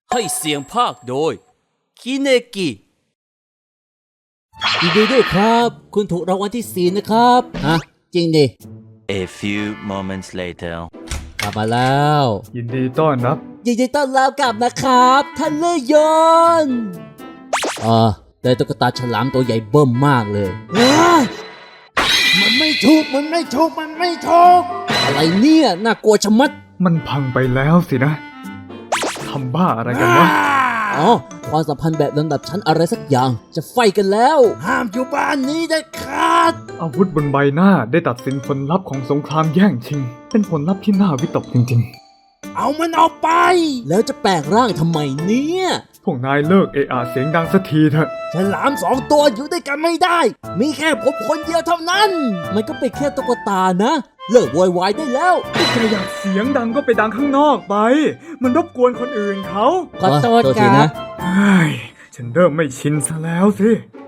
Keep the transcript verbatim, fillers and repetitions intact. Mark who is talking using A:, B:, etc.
A: ให้เสียงภาคโดยคิเนกิ
B: ยินดีด้วยครับคุณถูกรางวัลที่สี่นะครับฮะจริงดิ
C: A few moments later
B: กลับมาแล้ว
D: ยินดีต้อนรับ
B: ยินดีต้อนรับกลับนะครับท่านเลื่อยยนต์อ่าได้ตุ๊กตาฉลามตัวใหญ่เบิ่มมากเลยมันไม่ถูกมันไม่ถูกมันไม่ถูกอะไรเนี่ยน่ากลัวชะมัด
D: มันพังไปแล้วสินะทำบ้าอะไรกันวะ
B: อ๋อความสัมพันธ์แบบลำดับชั้นอะไรสักอย่างจะไฟกันแล้วห้ามอยู่บ้านนี้เด็ดขาด
D: อาวุธบนใบหน้าได้ตัดสินผลลัพธ์ของสงครามแย่งชิงเป็นผลลัพธ์ที่น่าวิตกจริง
B: ๆเอามันออกไปแล้วจะแปลงร่างทำไมเนี่ย
D: พวกนายเลิกเอะอะเสียงดังสักทีเถอะ
B: ฉลามสองตัวอยู่ด้วยกันไม่ได้มีแค่ผมคนเดียวเท่านั้นมันก็เป็นแค่ตุ๊กตานะเลิกโวยวายได้แล้ว
D: ถ้าอยากเสียงดังก็ไปดังข้างนอกไปมันรบกวนคนอื่นเขา
B: ขอโทษครับ
D: เฮ้ยฉันเริ่มไม่ชินซะแล้วสิ